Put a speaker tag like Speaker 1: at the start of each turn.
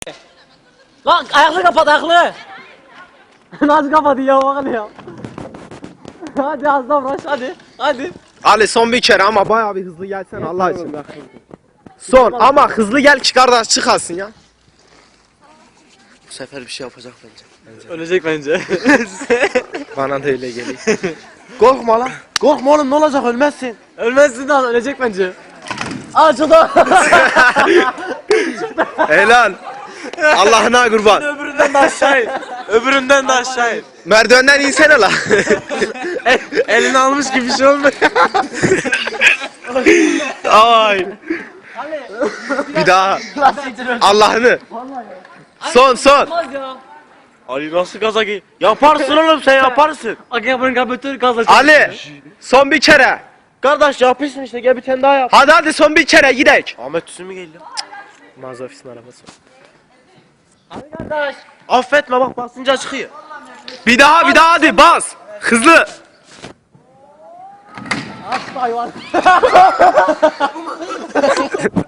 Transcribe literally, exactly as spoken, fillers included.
Speaker 1: Lan ayaklı kapat ayaklı. Nasıl kapadı ya bakın ya. Hadi az daha uğraş hadi. Hadi.
Speaker 2: Ali son bir kere ama bayağı bir hızlı gelsen Allah için. Son ama hızlı gel ki kardeş çıkasın ya. Bu sefer bir şey yapacak bence. bence.
Speaker 1: Ölecek bence.
Speaker 2: Bana da öyle geliyor. Korkma lan. Korkma oğlum ne olacak ölmezsin.
Speaker 1: Ölmezsin lan ölecek bence. Açıldı.
Speaker 2: Helal. Allah'ına kurban.
Speaker 1: Öbüründen de aşağı in. Öbüründen de aşağı in.
Speaker 2: Merdivenden insene lan.
Speaker 1: Elini almış gibi bir şey olmuyor.
Speaker 2: Ay. Bir daha. Allah'ını. Son son.
Speaker 1: Ali nasıl gaza gi? Yaparsın oğlum sen yaparsın. Akabın kapatır gaza.
Speaker 2: Ali. Son bir kere.
Speaker 1: Kardeş yapıyorsun işte gel bir tane daha yap.
Speaker 2: Hadi hadi son bir kere gidek.
Speaker 1: Ahmet Tüsün mü geliyor?
Speaker 2: Mağaza ofisinin arabası.
Speaker 1: Hadi kardeş. Affetme bak basınca çıkıyor.
Speaker 2: Bir daha bir daha hadi bas. Hızlı.
Speaker 1: Hasta hayvan.